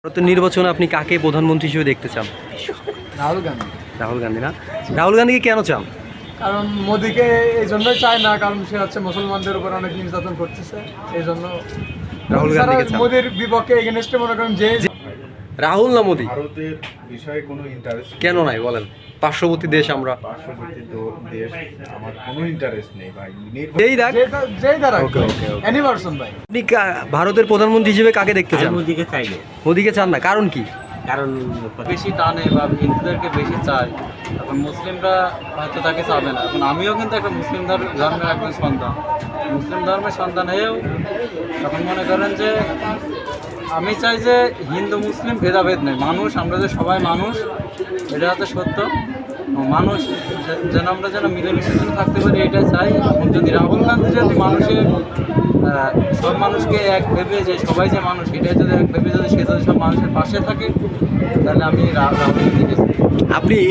ভারতের নির্বাচনে আপনি কাকে প্রধানমন্ত্রী হিসেবে দেখতে চান? রাহুল গান্ধী। রাহুল গান্ধী না? রাহুল গান্ধীকে কেন চান? কারণ মোদিকে এই জন্যই চায় না, কারণ সে হচ্ছে মুসলমানদের উপর অনেক নির্যাতন করতেছে, এই জন্য রাহুল গান্ধীকে চান। মোদির বিপক্ষে এগেনস্টে মনে করেন যে রাহুল না মোদি? ভারতের বিষয়ে কোনো ইন্টারেস্ট কেন নাই বলেন? পার্শ্ববর্তী দেশ আমরা। পার্শ্ববর্তী দেশ আমার কোনো ইন্টারেস্ট নেই ভাই। এই দেখ, যেই দ্বারা Okay, okay, okay. Any person ভাই। আপনি ভারতের প্রধানমন্ত্রী হিসেবে কাকে দেখতে চান? মোদিকে চাইলে, মোদিকে চান না, কারণ কি? কারণ বেশি টানে বা হিন্দুদেরকে বেশি চায়, এখন মুসলিমরা হয়তো তাকে চাবে না। এখন আমিও কিন্তু একটা মুসলিম ধর্মের একজন সন্তান, মুসলিম ধর্মের সন্তান হয়েও এখন মনে করেন যে আমি চাই যে হিন্দু মুসলিম ভেদাভেদ নেই, মানুষ আমরা যে সবাই মানুষ, এটা হচ্ছে সত্য। মানুষ যেন আমরা যেন মিলেমিশে যেন থাকতে পারি, এটাই চাই। এখন যদি রাহুল গান্ধী যদি মানুষের সব মানুষকে এক ভেবে যে সবাই যে মানুষ, এটাই যদি এক ভেবে যদি সে যদি সব মানুষের পাশে থাকে, তাহলে আমি রাহুল গান্ধীকে চাই। আপনি